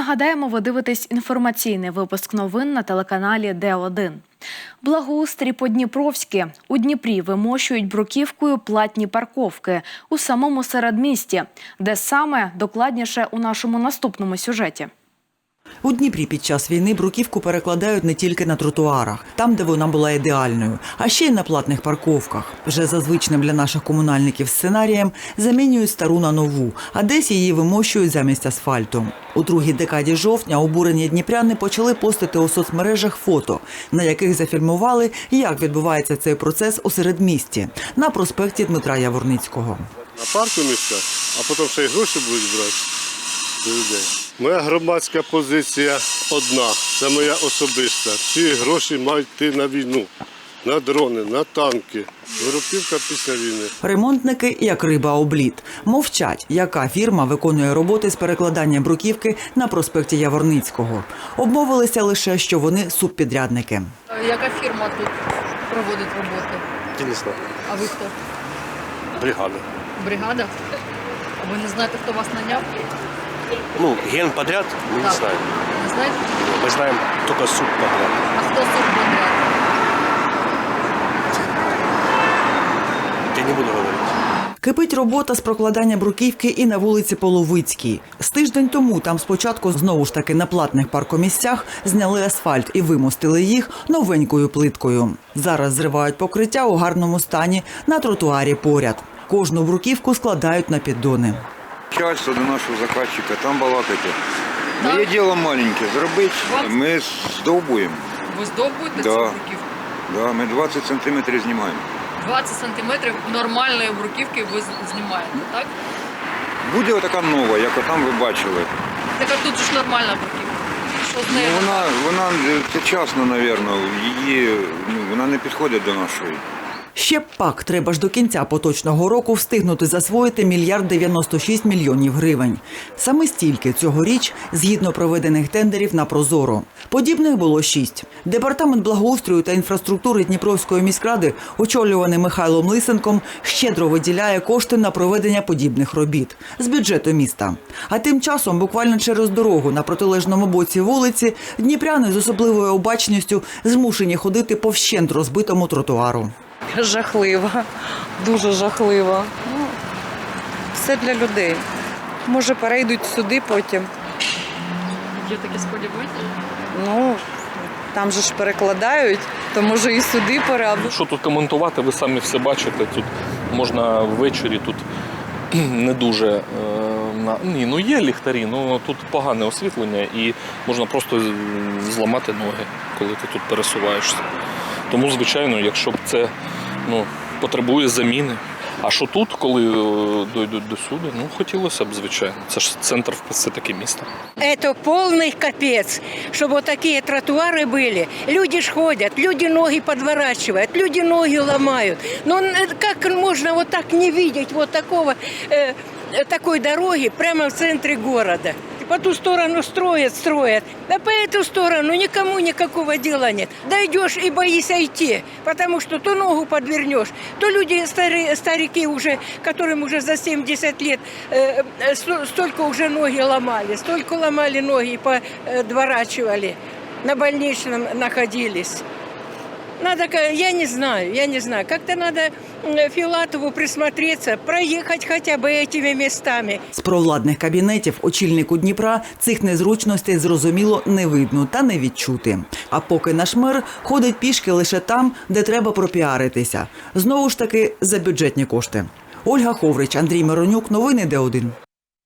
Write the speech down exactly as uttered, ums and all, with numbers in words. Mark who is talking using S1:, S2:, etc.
S1: Нагадаємо, ви дивитесь інформаційний випуск новин на телеканалі Д один. Благоустрій по-дніпровськи. У Дніпрі вимощують бруківкою платні парковки у самому середмісті. Де саме, докладніше у нашому наступному сюжеті.
S2: У Дніпрі під час війни бруківку перекладають не тільки на тротуарах, там, де вона була ідеальною, а ще й на платних парковках. Вже за звичним для наших комунальників сценарієм замінюють стару на нову, а десь її вимощують замість асфальту. У другій декаді жовтня обурені дніпряни почали постити у соцмережах фото, на яких зафільмували, як відбувається цей процес у середмісті, на проспекті Дмитра Яворницького.
S3: На парку місця, а потім ще й гроші будуть брати з людей. Моя громадська позиція одна, це моя особиста. Ці гроші мають йти на війну, на дрони, на танки. Виробівка після війни.
S2: Ремонтники, як риба об лід, мовчать, яка фірма виконує роботи з перекладання бруківки на проспекті Яворницького. Обмовилися лише, що вони субпідрядники.
S4: Яка фірма тут проводить роботи?
S3: Дійсно.
S4: А ви хто?
S3: Бригада.
S4: Бригада? А ви не знаєте, хто вас наняв?
S5: Ну, генподряд мы
S4: Так.
S5: не знаем.
S4: Не знаєте?
S5: Мы знаем только субподряд.
S4: А хто субподряд?
S5: Я не буду говорить.
S2: Кипить робота з прокладання бруківки і на вулиці Половицькій. З тиждень тому там спочатку знову ж таки на платних паркомісцях зняли асфальт і вимостили їх новенькою плиткою. Зараз зривають покриття у гарному стані на тротуарі поряд. Кожну бруківку складають на піддони.
S6: Начальство до нашого заказчика, там балакайте. Моє діло маленьке, зробити, ми здовбуємо.
S4: Ви здовбуєте
S6: Да.
S4: цю бруківку?
S6: Да, ми двадцять сантиметрів знімаємо.
S4: двадцять сантиметрів нормальної бруківки ви з- знімаєте, так?
S6: Буде отака нова, як отам ви бачили.
S4: Так а тут же ж нормальна бруківка. Що з
S6: Ну,
S4: нею?
S6: вона, вона вчасно, мабуть, її, ну, вона не підходить до нашої.
S2: Ще пак треба ж до кінця поточного року встигнути засвоїти мільярд дев'яносто шість мільйонів гривень. Саме стільки цьогоріч, згідно проведених тендерів на Прозоро. Подібних було шість. Департамент благоустрою та інфраструктури Дніпровської міськради, очолюваний Михайлом Лисенком, щедро виділяє кошти на проведення подібних робіт з бюджету міста. А тим часом, буквально через дорогу на протилежному боці вулиці, дніпряни з особливою обачністю змушені ходити по вщент розбитому тротуару.
S7: Жахливо, дуже жахливо. Ну, все для людей. Може, перейдуть сюди потім.
S4: Є таке сподівання?
S7: Ну, там же ж перекладають, то може і сюди пора.
S8: Що тут коментувати, ви самі все бачите. Тут можна ввечері, тут не дуже... Е, на... Ні, ну є ліхтарі, ну тут погане освітлення і можна просто зламати ноги, коли ти тут пересуваєшся. Тому, звичайно, якщо б це ну, потребує заміни. А що тут, коли дійдуть до суду, ну хотілося б, звичайно. Це ж центр все-таки міста.
S9: Это полный капец, чтобы вот такие тротуары были. Люди ж ходят, люди ноги подворачивают, люди ноги ломают. Но как можно вот так не видеть вот такого, э, такой дороги прямо в центре города? По ту сторону строят, строят, а по эту сторону никому никакого дела нет. Дойдешь и боишься идти, потому что то ногу подвернешь, то люди, старые, старики уже, которым уже за семьдесят лет, э, столько уже ноги ломали, столько ломали ноги и подворачивали, на больничном находились. Надо, я не знаю, я не знаю, как-то надо Филатову присмотреться, проехать хотя бы этими местами.
S2: З провладних кабінетів очільнику Дніпра цих незручностей, зрозуміло, не видно та не відчути. А поки наш мер ходить пішки лише там, де треба пропіаритися. Знову ж таки, за бюджетні кошти. Ольга Ховрич, Андрій Миронюк, новини Д один.